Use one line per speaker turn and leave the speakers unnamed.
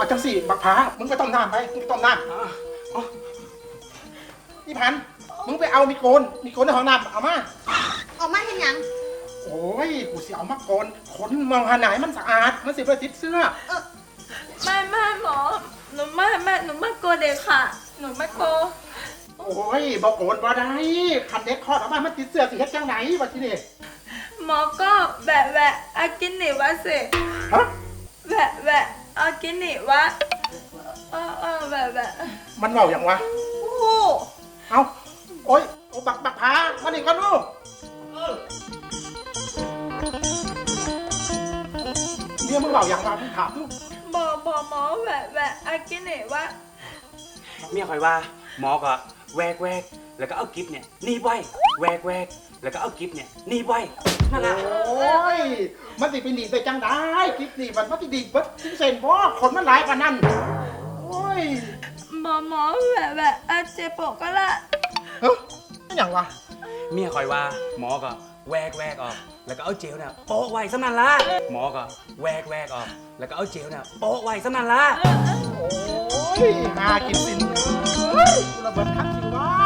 เอาจังสิบักผามึงไปต้มน้ำไปมึงไปต้มน้ำนี่พันมึงไปเอามีโกนในห้องน้ำเอามา
ออกมาเห็นยัง
โอ้ยกูสิเอามาโกนขนมองหาไหนมันสะอาดมันสิไปติดเสื้อ
ไม่หมอหนูไม่กลัวเด็กค่ะ หนูไม่กลัว
โอ้ยบอกโกนบ่ได้คันเด็กคลอดออกมามันติดเสื้อสิเฮ็ดจังไหนวะทีนี่
หมอก็แบะอากินหนิวะสิ
ฮะ
แบะอากินหนิวะแบะ
มันเมาอย่างวะ
โอ้โห
เอาโอ้ยโอ้บักผามาดิกันลูกเนี่ยมึงเมาอย่างวะมึงถามลูก
บอกหมอแบะอากินหนิวะ
เมียคอยว่าหมอก็แวกแล้วก็เอากิฟเนี่ยหนีบไว้แวกแล้วก็เอากิฟเนี่ยหนีบไว้นั่นแหละ
โอ้ยมันสิไปหนีไปจังได้คลิปนี้มันสิดีเบิดสิเซนบ่คนมันหลายกว่านั้นโอ้ย
หมอแบะอาเจโปะก็ละ
เฮ้ยอย่างวะ
เมียคอยว่าหมอก็แวกออกแล้วก็เอาเจลเนี่ยโปะไว้สำนันละหมอก็แวกออกแล้วก็เอาเจลเนี่ยโปะไว้สำนันละ
โอ้ยหากินสินเฮ้ยกูระเบิดทักสิวะ